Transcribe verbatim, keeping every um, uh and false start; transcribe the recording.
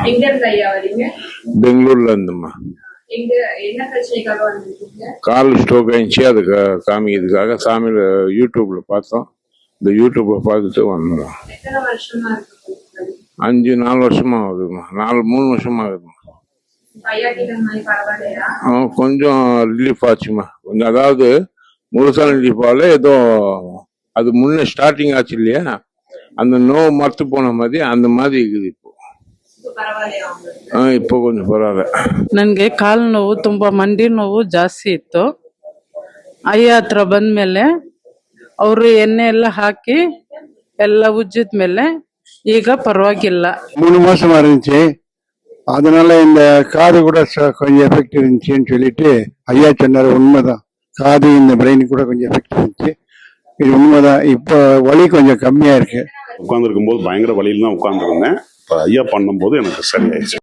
எங்க இருந்து ஐயா வரீங்க? பெங்களூர்ல இருந்துமா. எங்க என்ன பிரச்சனைக்காக வந்திருக்கீங்க? கால் ஸ்ட்ரோக் ஆயிடுச்சு, அதுக்கு காமிக்கிறதுக்காக சாமியில யூடியூப்ல பார்த்தோம். இந்த யூடியூப்ல பார்த்துட்டு வந்தோம். எத்தனை வருஷமா இருக்கு? அஞ்சு நாலு வருஷமா ஆகுதுமா, நாலு மூணு வருஷமா ஆகுதுமா. ஐயா கிட்ட மாதிரி பரவாயில்லையா? கொஞ்சம் ரிலீஃப் ஆச்சுமா, கொஞ்சம். அதாவது முழுசா ரிலீஃப் ஆகல, ஏதோ அது முன்ன ஸ்டார்டிங் ஆச்சு இல்லையா, அந்த நோவு மறுத்து போன மாதிரி அந்த மாதிரி இருக்குது இப்போ. இப்போ கொஞ்சம் ಪರವಾಗಿಲ್ಲ. ನನಗೆ ಕಾಲು ನೋವು, ತುಂಬಾ ಮಂಡಿ ನೋವು ಜಾಸ್ತಿ ಇತ್ತು. ಅಯ್ಯ ಹತ್ರ ಬಂದ್ಮೇಲೆ ಅವರು ಎಣ್ಣೆ ಎಲ್ಲ ಹಾಕಿ ಎಲ್ಲ ಉಜ್ಜಿದ ಮೇಲೆ ಈಗ ಪರವಾಗಿಲ್ಲ. மூணு மாசமா இருந்துச்சு, அதனால இந்த காது கூட கொஞ்சம் எஃபெக்ட் இருந்துச்சுன்னு சொல்லிட்டு ஐயா சொன்னாரு. உண்மைதான், காது இந்த பிரெயின் கூட கொஞ்சம் எஃபெக்ட் இருந்துச்சு, இது உண்மைதான். இப்போ வலி கொஞ்சம் கம்மியா இருக்கு. உட்கார்ந்துருக்கும் போது பயங்கர வலியில தான் உட்கார்ந்துருந்தேன். இப்போ ஐயா பண்ணும்போது எனக்கு சரியாயிடுச்சு.